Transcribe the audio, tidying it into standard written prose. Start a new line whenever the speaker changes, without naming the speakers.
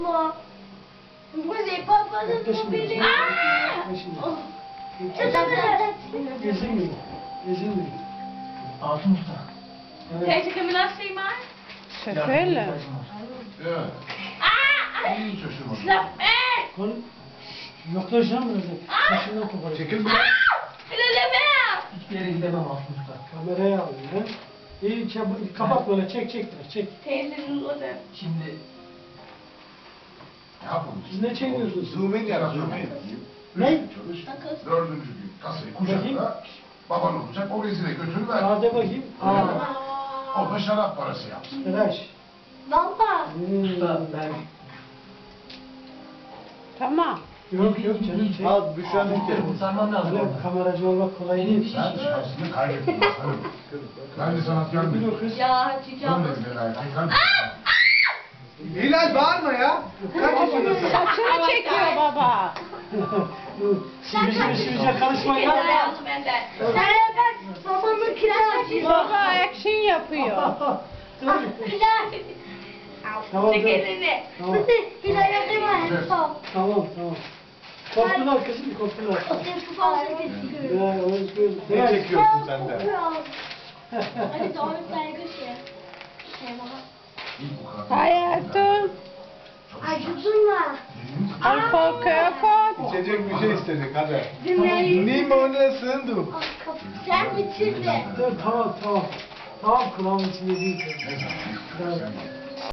Vous n'avez pas besoin de tomber.
Ezilmeyin. Ezilmeyin.
Altın usta.
Deze kunnen we laten zien, maar.
Şoförle.
Evet.
Ah!
İyi şaşırmadım.
Snap me!
Konu yaklaşan mı dedik? Saçından koparacak.
Çekil be.
Ah! Il est bien!
Hiçbir yere gidemem altın usta.
Kameraya alıyor. He? İyi kapat böyle çek biraz çek.
Teyzenin orada.
Şimdi
Ne yapalım?
Siz ne çekiyorsunuz?
Zoom in yap, zoom in.
Ne?
Çalış.
Bakın.
Dördüncü gün kasayı
Bakayım.
kucakla. Baban olacak, o rezile götürüver.
Hadi bakayım.
O da şarap parası yapsın.
Tıraş.
Valla.
usta ben
Tamam.
Yok yok canım çek.
Al Büşra'nın telefonu.
kurtarmam lazım
Öyle
orada.
kameracı olmak kolay değil.
Sen şansını kaybettin aslanım. Ben de sanatkar
Bir o
mıyım?
kız.
Ya çıkacağım.
Dön dediler erkekler.
Hilal bağırma ya. Kaç yaşındasın?
Saçını çekiyor baba.
Sivrice karışmayın.
Gel hayatım benden. Sen bak babamın kiraz
Baba action yapıyor.
Kiraz.
Tamam,
Çek
dur.
elini.
Tamam.
Hilal yapayım mı?
Tamam. Korktular kızım korktular.
O sesi fazla kesiyor.
Ya o yüzden.
Ne çekiyorsun sen de?
Hadi doğru saygı
İyi bu kadar.
Hayatım.
Ay durma.
Alkol köpek.
İçecek bir şey istedik hadi.
Dinleyin.
Limonuna sığındım.
Sen bitirdin.
Dur tamam. Tamam kulağımın içinde değil.
Ne zaman? Sen